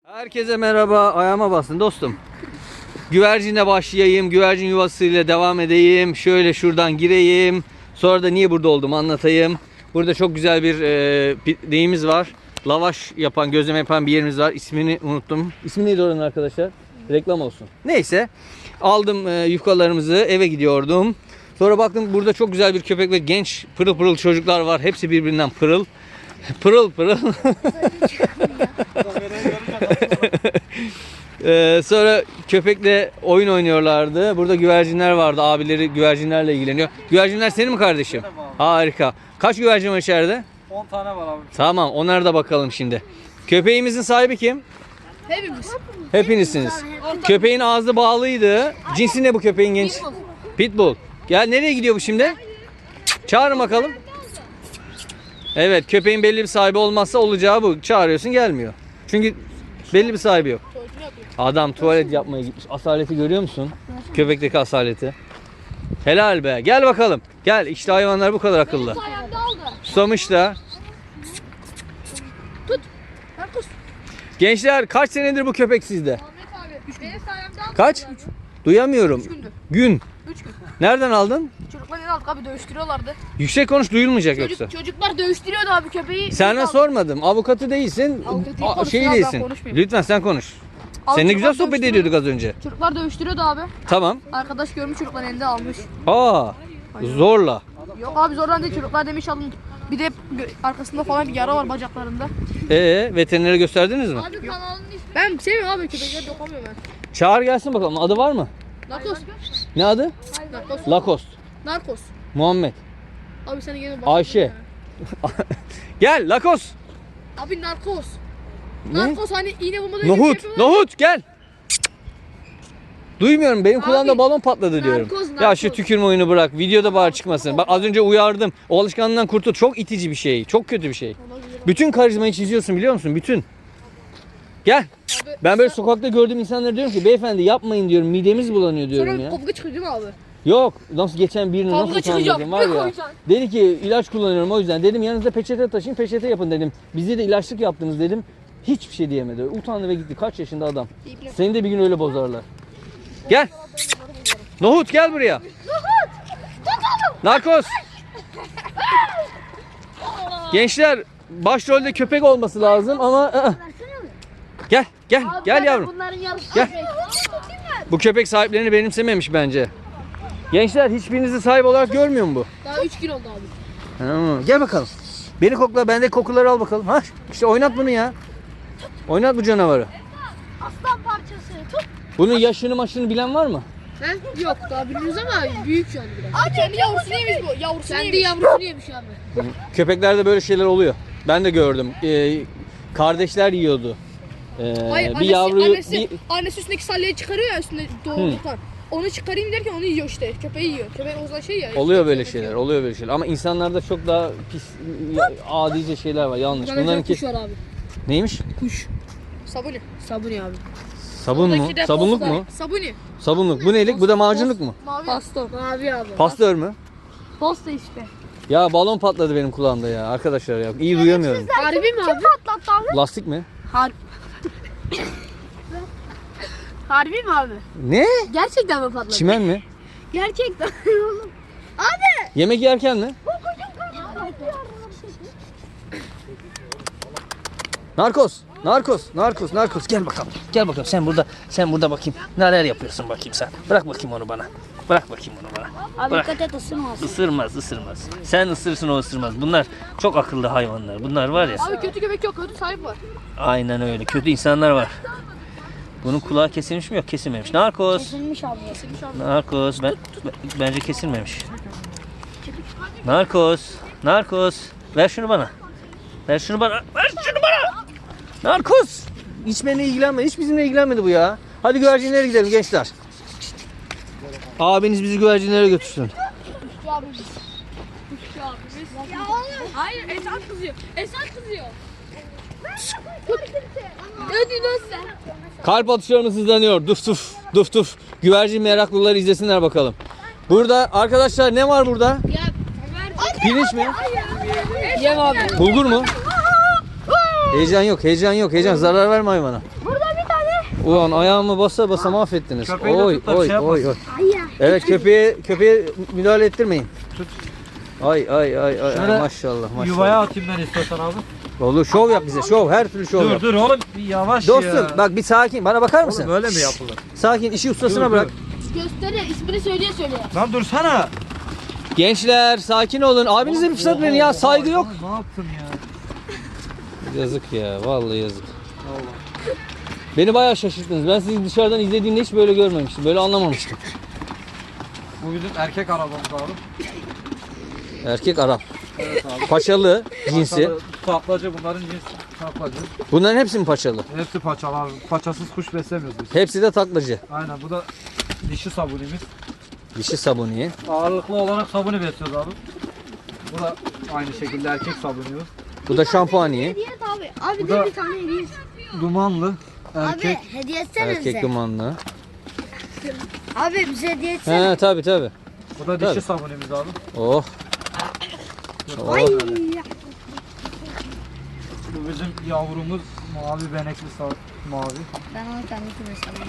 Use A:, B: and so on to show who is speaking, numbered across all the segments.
A: Herkese merhaba. Ayağıma basın dostum. Güvercinle başlayayım. Güvercin yuvasıyla devam edeyim. Şöyle şuradan gireyim. Sonra da niye burada olduğumu anlatayım. Burada çok güzel bir neyimiz var. Lavaş yapan, gözleme yapan bir yerimiz var. İsmini unuttum. İsmi neydi oranın arkadaşlar? Reklam olsun. Neyse. Aldım yufkalarımızı. Eve gidiyordum. Sonra baktım burada çok güzel bir köpek ve genç pırıl pırıl çocuklar var. Hepsi birbirinden pırıl. Pırıl pırıl. Sonra köpekle oyun oynuyorlardı. Burada güvercinler vardı. Abileri güvercinlerle ilgileniyor. Güvercinler senin mi kardeşim? Harika. Kaç güvercin var içeride?
B: 10 tane var abi.
A: Tamam, onlara da bakalım şimdi. Köpeğimizin sahibi kim?
C: Hepimiz.
A: Hepinizsiniz. Köpeğin ağzı bağlıydı. Cinsi ne bu köpeğin genç? Pitbull. Gel, nereye gidiyor bu şimdi? Çağırın bakalım. Evet, köpeğin belli bir sahibi olmazsa olacağı bu. Çağırıyorsun, gelmiyor. Çünkü belli bir sahibi yok. Adam tuvalet yapmaya gitmiş. Asaleti görüyor musun? Köpekteki asaleti. Helal be. Gel bakalım. Gel. İşte hayvanlar bu kadar akıllı. Susamış da. Gençler, kaç senedir bu köpek sizde? Kaç? Duyamıyorum. Gün.
C: 3 gün.
A: Nereden aldın?
C: Çocuklar yine aldık abi, dövüştürüyorlardı.
A: Yüksek konuş, duyulmayacak yoksa.
C: Çocuklar dövüştürüyordu abi köpeği.
A: Sana sormadım. Avukatı değilsin.
C: Avukatı değil, konuşsun
A: Şey
C: abi, ben
A: değilsin.
C: konuşmayayım.
A: Lütfen sen konuş.
C: Abi
A: Seninle
C: çocuklar
A: güzel sohbet
C: dövüştürüyordu.
A: ediyorduk az önce.
C: Çocuklar dövüştürüyordu abi.
A: Tamam.
C: Arkadaş görmüş, çocuklar elinde almış.
A: Aa, zorla.
C: Yok abi, zorlan değil, çocuklar demiş alın. Bir de arkasında falan bir yara var, bacaklarında.
A: Veterinere gösterdiniz mi?
C: Abi kanalın ismi. Ben sevmiyorum abi, köpekleri dokunmuyorum ben.
A: Çağır gelsin bakalım. Adı var mı?
C: Narkos.
A: Ne adı?
C: Narkos.
A: Lacoste.
C: Narkos.
A: Muhammed.
C: Abi sen gene bak.
A: Ayşe. Gel Lacoste.
C: Abi narkos.
A: Ne?
C: Narkos hani iğne bulmadan
A: Nohut. Nohut gel. Duymuyorum, benim kulağımda
C: Abi,
A: balon patladı diyorum.
C: narkoz,
A: Ya
C: narkoz.
A: şu tükürme oyunu bırak. Videoda bağır çıkmasın. Bak az önce uyardım. O alışkanlığından kurtul. Çok itici bir şey. Çok kötü bir şey. Bütün karizmayı çiziyorsun, biliyor musun? Bütün. Gel. Ben böyle sokakta gördüğüm insanlara diyorum ki beyefendi yapmayın diyorum. Midemiz bulanıyor diyorum
C: Sonra
A: ya.
C: kavga çıkıyor değil mi abi?
A: Yok. Nasıl geçen birini
C: Kavga
A: nasıl
C: çıkacak,
A: utandırdım var
C: ne
A: ya.
C: koyacaksın?
A: Dedi ki ilaç kullanıyorum o yüzden. Dedim yanınızda peçete taşıyın, peçete yapın dedim. Bize de ilaçlık yaptınız dedim. Hiçbir şey diyemedi. Utandı ve gitti. Kaç yaşında adam. Seni de bir gün öyle bozarlar. Gel. Nohut gel buraya. Narkos. Gençler, başrolde köpek olması lazım ama gel gel yavrum.
C: Bunların yarısı.
A: Gel. Bu köpek sahiplerini benimsememiş bence. Gençler, hiçbirinizi sahip olarak görmüyor mu bu?
C: Daha 3 gün oldu abi.
A: Gel bakalım. Beni kokla, bende kokuları al bakalım. Ha, işte oynat bunu ya. Oynat bu canavarı.
C: Aslan parçası. Tut.
A: Bunun yaşını maşını bilen var mı?
C: He? Yok daha bilmiyoruz ama büyük şu an biraz. Abi kendi yavrusunu yemiş bu. Kendi yavrusunu yemiş abi.
A: Köpeklerde böyle şeyler oluyor. Ben de gördüm. Kardeşler yiyordu.
C: Hayır,
A: Bir yavruyu
C: annesi üstündeki sallayı çıkarıyor ya, üstünde doğrultan. Onu çıkarayım derken onu yiyor işte. Köpeği yiyor. Köpeğin o zaman şey ya.
A: oluyor böyle şeyler. Oluyor böyle şeyler. Ama insanlarda çok daha pis, adice şeyler var. Yanlış.
C: Bunların kuş var abi.
A: Neymiş?
C: Kuş. Sabuni. Sabuni abi.
A: Sabun mu?
C: Oradaki de
A: Sabunluk
C: posta.
A: mu?
C: Sabuni.
A: Sabunluk. Bu nelik? Bu da macunluk mu?
C: Mavi. Pasta. Mavi abi.
A: Pastör mü?
C: Pasta işte.
A: Ya balon patladı benim kulağımda ya arkadaşlar ya. İyi duyamıyorum.
C: Harbi mi abi? Patlattı abi.
A: Lastik mi?
C: Harbi mi abi?
A: Ne?
C: Gerçekten mi patladı?
A: Çimen mi?
C: Gerçekten.
A: Yemek yerken mi? Narkos. Narkos. Gel bakalım. Gel bakalım. Sen burada bakayım. Neler yapıyorsun bakayım sen. Bırak bakayım onu bana. Bırak bakayım onu bana.
D: Abi
A: Bırak.
D: dikkat et, ısırmaz.
A: Isırmaz. Sen ısırsın, o ısırmaz. Bunlar çok akıllı hayvanlar. Bunlar var ya.
C: Abi kötü köpek yok, kötü sahip var.
A: Aynen öyle. Kötü insanlar var. Bunun kulağı kesilmiş mi? Yok, kesilmemiş. Narkos.
D: Kesilmiş abi.
A: Narkos. Bence kesilmemiş. Narkos. Ver şunu bana. Ver şunu bana. Narkos. Hiç benimle ilgilenmedi. Hiç bizimle ilgilenmedi bu ya. Hadi güvercinlere gidelim gençler. Abiniz bizi güvercinlere götürsün.
C: Hayır, Esat kızıyor. Ne diyorsun sen?
A: Kalp atışlarımız hızlanıyor. Duf tuf. Güvercin meraklıları izlesinler bakalım. Burada arkadaşlar ne var burada? Pirinç mi?
C: Yem abi.
A: Bulgur mu? Heyecan yok. Zarar verme hayvana.
D: Burada
A: Ulan ayağımı basa basa mahvettiniz.
B: Köpeği de
A: Oy
B: tut da bir
A: oy
B: şey
A: oy
B: yapmasın.
A: oy. Evet köpeğe müdahale ettirmeyin.
B: Tut.
A: Ay ay ay ay
B: Şöyle
A: maşallah maşallah.
B: Yuvaya atayım ben istiyorsan abi.
A: Olur şov yap bize şov her türlü şov yap.
B: Dur oğlum bir yavaş
A: Dostum
B: ya.
A: bak bir sakin bana bakar mısın?
B: Oğlum öyle mi yapılır?
A: Sakin işi ustasına
B: Dur,
A: bırak.
C: Gösteriyor. İsmini söyleye söyleye.
B: Lan dursana.
A: Gençler sakin olun. Abinize bir fırsat verin ya saygı yok.
B: Ne yaptın ya?
A: Yazık ya vallahi yazık. Beni bayağı şaşırttınız. Ben sizi dışarıdan izlediğimde hiç böyle görmemiştim. Böyle anlamamıştım.
B: Bu bizim erkek arabamız abi.
A: Erkek Arap.
B: Evet abi.
A: Paçalı cinsi.
B: Taklacı bunların cinsi. Taklacı.
A: Bunların hepsi mi paçalı?
B: Hepsi paçalı abi. Paçasız kuş beslemiyoruz biz.
A: Hepsi de taklacı.
B: Aynen bu da dişi sabunimiz.
A: Dişi sabuniye.
B: Ağırlıklı olarak sabunu besliyoruz abi. Bu da aynı şekilde erkek sabunumuz.
A: Bu da şampuaniye.
D: Hediye et abi. Abi
B: Bu
D: de
B: da-
D: bir tane hediye et.
B: Dumanlı erkek.
D: Abi hediye etsene
A: Erkek
D: bize.
A: dumanlı.
D: Abi bize hediye etsene.
A: He tabi tabi.
B: Bu da
A: Tabii.
B: dişi sabunumuz abi.
A: Oh.
D: Ay.
A: Oh.
B: Bu bizim yavrumuz mavi benekli mavi.
D: Ben onu kendi kümesine.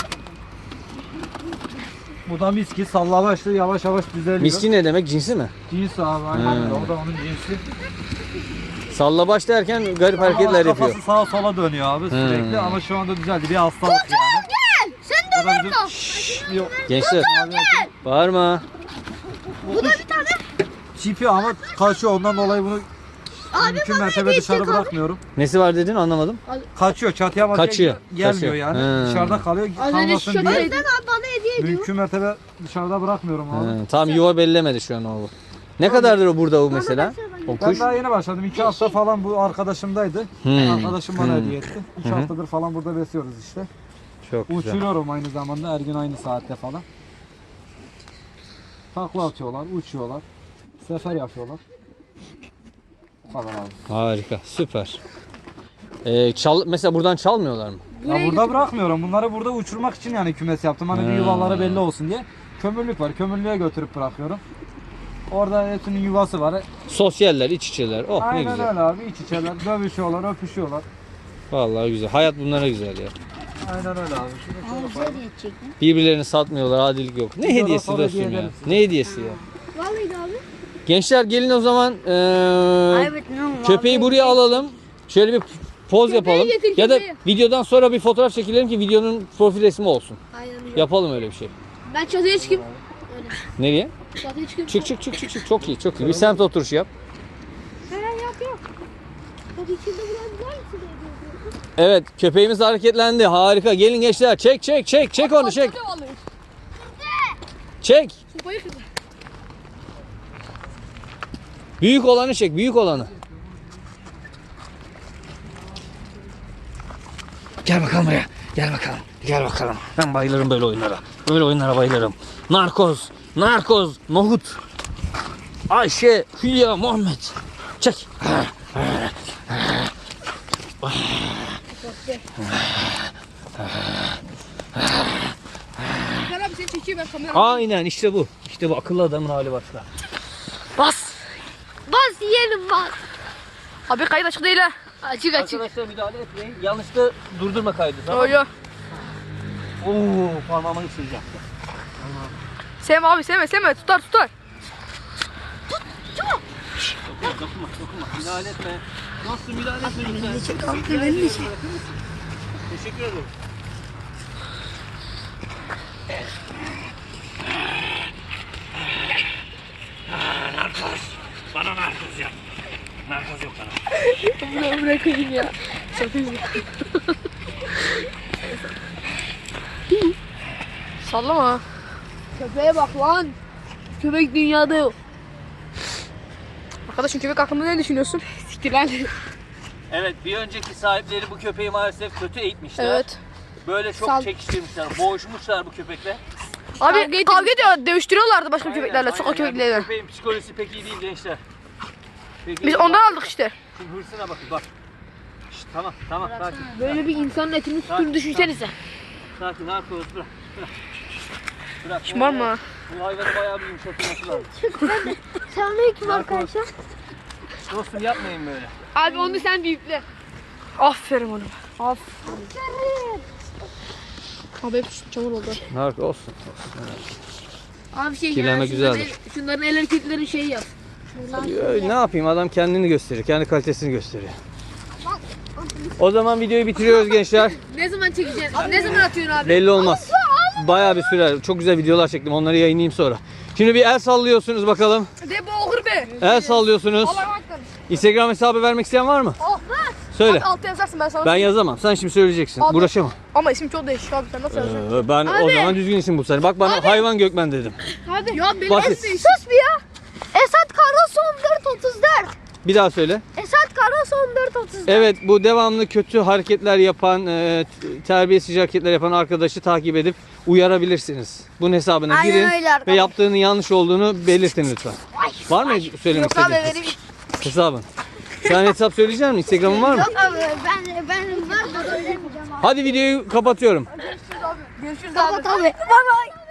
B: Bu da miski sallavaçlı yavaş yavaş düzeliyor.
A: Miski ne demek? Cinsi mi?
B: Cins abi aynen öyle. O da onun cinsi.
A: Sallabaş derken garip
B: Ama
A: hareketler
B: kafası
A: yapıyor.
B: sağa sola dönüyor abi sürekli ama şu anda düzeldi. Bir hastalık yani.
D: Sen de
B: O da bizim... Yok.
A: Gençler bağırma.
D: Bu da bir tane.
B: Çipi ama kaçıyor ondan dolayı bunu mümkün mertebe dışarı bırakmıyorum.
A: Nesi var dedin anlamadım.
B: Kaçıyor çatıya bakıyor.
A: Kaçıyor.
B: Gelmiyor
A: Kaçıyor.
B: yani.
A: He.
B: Dışarıda kalıyor.
C: Az önce
B: Kalmasın
C: şöyle
B: diye.
D: Sen abi bana hediye ediyor.
B: Mümkün mertebe dışarıda bırakmıyorum abi.
A: He, tam yuva bellemedi şu an o. Ne kadardır o burada o mesela? O
B: Ben
A: kuş.
B: daha yeni başladım. 2 hafta falan bu arkadaşımdaydı. Arkadaşım bana hediye etti. 2 haftadır falan burada besliyoruz işte.
A: Çok güzel.
B: Uçuruyorum aynı zamanda her gün aynı saatte falan. Takla atıyorlar, uçuyorlar. Sefer yapıyorlar. Bu kadar abi.
A: Harika, süper. Mesela buradan çalmıyorlar mı?
B: Ya burada bırakmıyorum. Bunları burada uçurmak için yani kümes yaptım. Hani bir yuvaları belli olsun diye. Kömürlük var. Kömürlüğe götürüp bırakıyorum. Orada hepsinin yuvası var.
A: Sosyaller, iç içeler. Oh ne
B: Aynen
A: güzel.
B: öyle abi. İç içeler. Dövüşüyorlar, öpüşüyorlar.
A: Vallahi güzel. Hayat bunlara güzel ya.
B: Aynen öyle abi. Şunu
D: Abi
B: şöyle
D: bize
B: koyalım.
D: hediye edecek mi?
A: Birbirlerini satmıyorlar, adilik yok. Ne
B: Biz
A: hediyesi
B: sonra
A: dostum
B: hediye
A: ya?
B: ederiz.
A: Ne hediyesi ya?
D: Vallahi abi.
A: Gençler gelin o zaman
D: Evet, ne
A: köpeği buraya alalım. Şöyle bir poz yapalım.
C: getir,
A: Ya da
C: köpeği.
A: videodan sonra bir fotoğraf çekelim ki videonun profil resmi olsun.
D: Aynen öyle.
A: Yapalım öyle bir şey.
C: Ben çatıya çıkayım.
A: Nereye?
C: Çatıya çıkayım.
A: Çık. Çok iyi, çok iyi. Bir semt oturuşu yap.
D: Yok. Bak içinde biraz var mısın?
A: Evet, köpeğimiz hareketlendi. Harika. Gelin gençler. Çek onu, çek. Çek.
C: Sopayı kırdı.
A: Büyük olanı çek, büyük olanı. Gel bakalım buraya. Gel bakalım. Ben bayılırım böyle oyunlara. Böyle oyunlara bayılırım. Narkoz, Nohut. Ayşe, Hülya, Muhammed. Çek.
C: Ben abi seni çekeyim ben kamera.
A: Aynen işte bu. İşte bu akıllı adamın hali başka.
C: Bas.
D: Bas yiyelim bas.
C: Abi kayıt açık değil ha. Açık açık.
A: Arkadaşlar müdahale etmeyin. Yanlışlıkla durdurma kaydı.
C: Yo yo.
A: Oo, parmağımı ısıracaktı.
C: Sevme abi sevme. Tutar.
A: Dokunma. Müdahale etme. Nasıl müdahale etme lütfen. Teşekkür ederim. Narkoz. Bana narkoz yap. Narkoz yok bana.
C: Bunu bırakayım ya. Çok güzel. Sallama. Köpeğe bak lan. Köpek dünyada yok. Arkadaşım köpek hakkında ne düşünüyorsun? Siktir lan.
A: Evet, bir önceki sahipleri bu köpeği maalesef kötü eğitmişler.
C: Evet.
A: Böyle çok
C: Sal-
A: çekiştirmişler, boğuşmuşlar bu köpekle.
C: Abi kavga ediyor, dövüştürüyorlardı başka köpeklerle,
A: Aynen,
C: sokak
A: yani
C: köpekleriyle.
A: bu köpeğin psikolojisi pek iyi değil gençler. Peki,
C: Biz
A: bak,
C: ondan aldık işte.
A: Şimdi hırsına bakın bak. Şşt, tamam sakin.
C: Böyle bir insanın etini
A: tuttuğunu
C: düşünsenize.
A: Sakin narkoz bırak. Bırak.
C: Şımarma.
A: Bu hayvanı bayağı bir yumuşatılması lazım.
D: Selamünaleyküm arkadaşlar.
A: Dostum yapmayın böyle.
C: Abi onu sen büyükle. Aferin oğlum. Abi hep çamur oldu.
A: Nark olsun.
E: Abi şey
A: Kirlenme güzeldir.
E: Şunların el hareketleri şey yap.
A: Ne yapayım, adam kendini gösteriyor. Kendi kalitesini gösteriyor. O zaman videoyu bitiriyoruz gençler.
E: Ne zaman çekeceksin? Ne zaman atıyorsun abi?
A: Belli olmaz. Bayağı bir sürer. Çok güzel videolar çektim. Onları yayınlayayım sonra. Şimdi bir el sallıyorsunuz bakalım.
C: De bu okur be.
A: El sallıyorsunuz.
C: Allah'a baktan.
A: Instagram hesabı vermek isteyen var mı?
C: Oh.
A: Söyle.
C: Altta yazarsın ben sana.
A: Ben yazamam. Sen şimdi söyleyeceksin.
C: Abi.
A: Uğraşamam.
C: Ama isim çok değişik abi sen nasıl yazacaksın?
A: Ben o zaman düzgün isim bulsana. Bak bana hayvan Gökmen dedim.
C: Hadi. Ya benim
A: Basit.
D: Sus bir ya. Esat Karasu 1434.
A: Bir daha söyle.
D: Esat Karasu 1434.
A: Evet, bu devamlı kötü hareketler yapan, terbiyesiz hareketler yapan arkadaşı takip edip uyarabilirsiniz. Bunun hesabına
D: Aynen
A: girin
D: öyle arkadaşlar.
A: ve yaptığının yanlış olduğunu belirtin lütfen. Var mı söylemek
C: Yok abi
A: istediğin
C: vereyim.
A: hesabın? Sen hesap söyleyecek misin? Instagram'ın var mı?
D: Yok abi ben var da söylemeyeceğim abi.
A: Hadi videoyu kapatıyorum.
C: Görüşürüz abi.
D: Kapat abi. Bye bye.